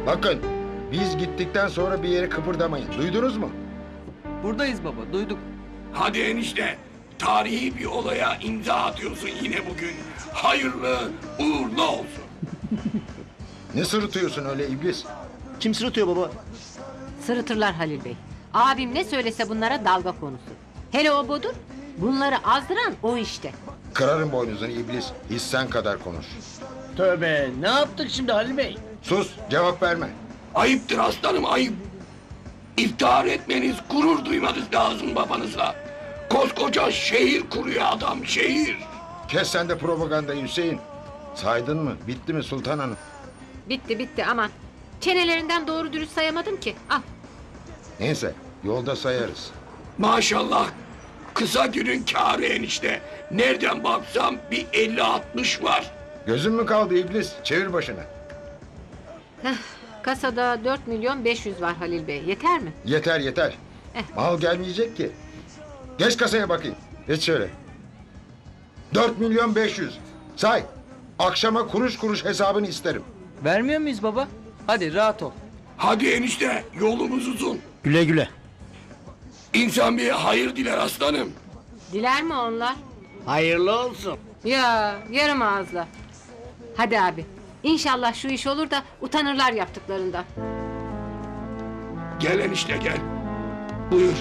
Bakın, biz gittikten sonra bir yere kıpırdamayın. Duydunuz mu? Buradayız baba, duyduk. Hadi enişte. Tarihi bir olaya imza atıyorsun yine bugün. Hayırlı, uğurlu olsun. Ne sırıtıyorsun öyle iblis? Kim sırıtıyor baba? Sırıtırlar Halil Bey. Abim ne söylese bunlara dalga konusu. Hele o budur. Bunları azdıran o işte. Kırarım boynuzunu iblis. Hissen kadar konuş. Tövbe, ne yaptık şimdi Halil Bey? Sus, cevap verme. Ayıptır aslanım, ayıp. İftihar etmeniz, gurur duymanız lazım babanızla. Koskoca şehir kuruyor adam, şehir. Kes sen de propagandayı Hüseyin. Saydın mı? Bitti mi Sultan Hanım? Bitti aman. Çenelerinden doğru dürüst sayamadım ki. Al. Neyse, yolda sayarız. Maşallah, kısa günün kârı enişte. Nereden baksam bir 50-60 var. Gözün mü kaldı iblis? Çevir başını. Kasada 4.500.000 var Halil Bey. Yeter mi? Yeter yeter. Mal gelmeyecek ki. Geç kasaya bakayım. Geç şöyle. 4.500.000. Say. Akşama kuruş kuruş hesabını isterim. Vermiyor muyuz baba? Hadi rahat ol. Hadi enişte, yolumuz uzun. Güle güle. İnsan bir hayır diler aslanım. Diler mi onlar? Hayırlı olsun. Ya yarım ağızla. Hadi abi. İnşallah şu iş olur da utanırlar yaptıklarından. Gel enişte gel. Buyur.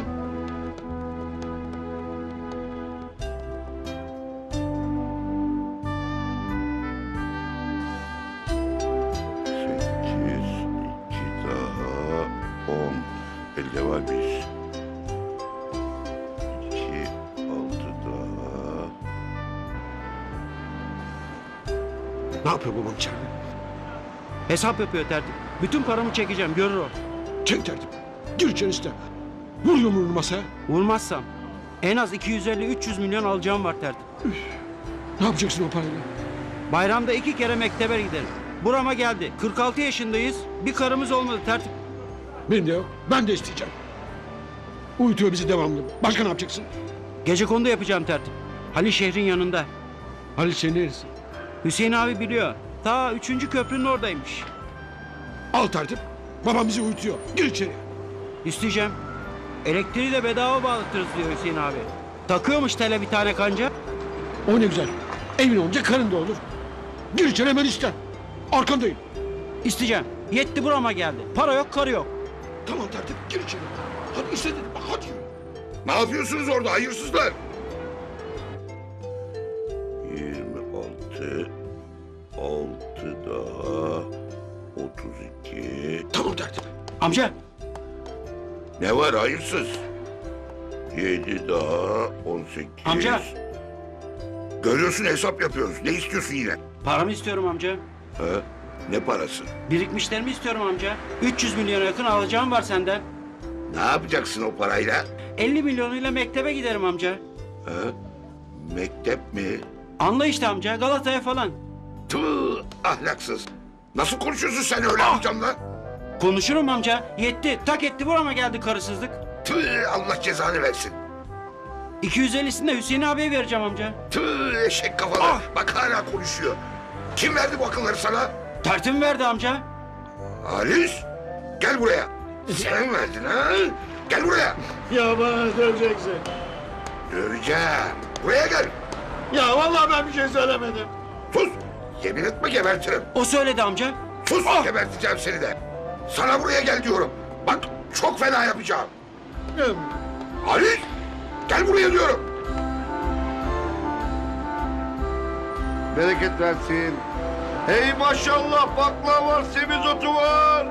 Sekiz, iki daha 10. Elde var bir. İki, 6 daha. Ne yapıyor babam içeride? Hesap yapıyor tertip. Bütün paramı çekeceğim, görür o. Çek tertip. Gir içeri iste. Vur yumruğunu masaya. Vurmazsam en az 250-300 milyon alacağım var tertip. Ne yapacaksın o parayla? Bayramda 2 kere mektebe giderim. Burama geldi. 46 yaşındayız. Bir karımız olmadı tertip. Benim de yok. Ben de isteyeceğim. Uyutuyor bizi devamlı. Başka ne yapacaksın? Gecekondu yapacağım tertip. Halil şehrin yanında. Halil senin neresi? Hüseyin abi biliyor. Ta 3. köprünün oradaymış. Al tertip. Babam bizi uyutuyor. Gir içeri. İsteyeceğim. Elektriği de bedava bağlatırız diyor Hüseyin abi. Takıyormuş tele bir tane kanca. O ne güzel. Evin olunca karın da olur. Gir içeri hemen iste. Arkandayım. İsteyeceğim. Yetti burama geldi. Para yok, karı yok. Tamam tertip. Gir içeri. Hadi iste dedim. Bak hadi yürü. Ne yapıyorsunuz orada hayırsızlar? 26, 6 daha 32. Tamam tertip. Amca. Ne var hayırsız? 7 daha 18. Amca. Görüyorsun hesap yapıyoruz. Ne istiyorsun yine? Paramı istiyorum amca. Ha? Ne parası? Birikmişlerimi istiyorum amca. 300 milyona yakın alacağım var senden. Ne yapacaksın o parayla? 50 milyonuyla mektebe giderim amca. Ha? Mektep mi? Anla işte amca, Galata'ya falan. Tüh, ahlaksız. Nasıl konuşuyorsun sen öyle amcamla? Konuşurum amca. Yetti. Tak etti burama geldi karısızlık. Tüh, Allah cezanı versin. 250'sini de Hüseyin abiye vereceğim amca. Tüh, eşek kafalı. Bak hala konuşuyor. Kim verdi bu akılları sana? Tertip verdi amca. Halis, gel buraya. Sen verdin ha? Gel buraya. Ya bana döveceksin. Döveceğim. Buraya gel. Ya vallahi ben bir şey söylemedim. Sus. Yemin etme gebertirim. O söyledi amca. Sus, geberteceğim seni de. Sana buraya gel diyorum. Bak çok fena yapacağım. Halis, gel buraya diyorum. Bereket versin. Hey maşallah baklava var, semizotu var.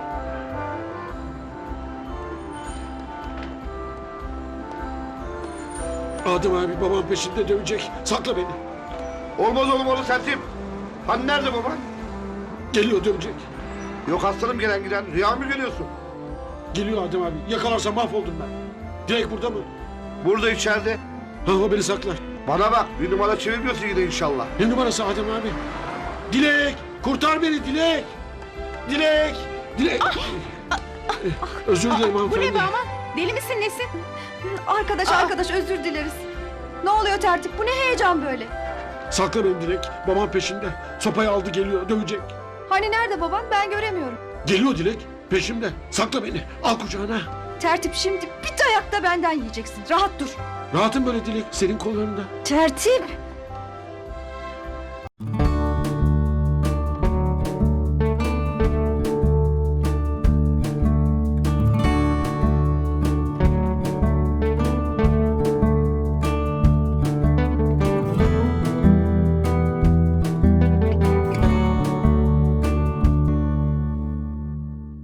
Adem abi babam peşinde dövecek. Sakla beni. Olmaz oğlum onu sertim. Hani nerede baba? Geliyor dövecek. Yok aslanım gelen giden. Rüya mı görüyorsun? Geliyor Adem abi. Yakalarsa mahvoldum ben. Direkt burada mı? Burada içeride. Ha o beni saklar. Bana bak bir numara çevirmiyorsun yine inşallah. Ne numarası Adem abi? Dilek! Kurtar beni Dilek! Dilek! Dilek! Özür dilerim Bu hanımefendi. ne be aman? Deli misin nesin? Arkadaş özür dileriz. Ne oluyor tertip? Bu ne heyecan böyle? Sakla beni Dilek. Babam peşinde. Sopayı aldı geliyor dövecek. Hani nerede baban? Ben göremiyorum. Geliyor Dilek. Peşimde. Sakla beni. Al kucağına. Tertip şimdi bir dayak da benden yiyeceksin. Rahat dur. Rahatım böyle Dilek. Senin kollarında. Tertip.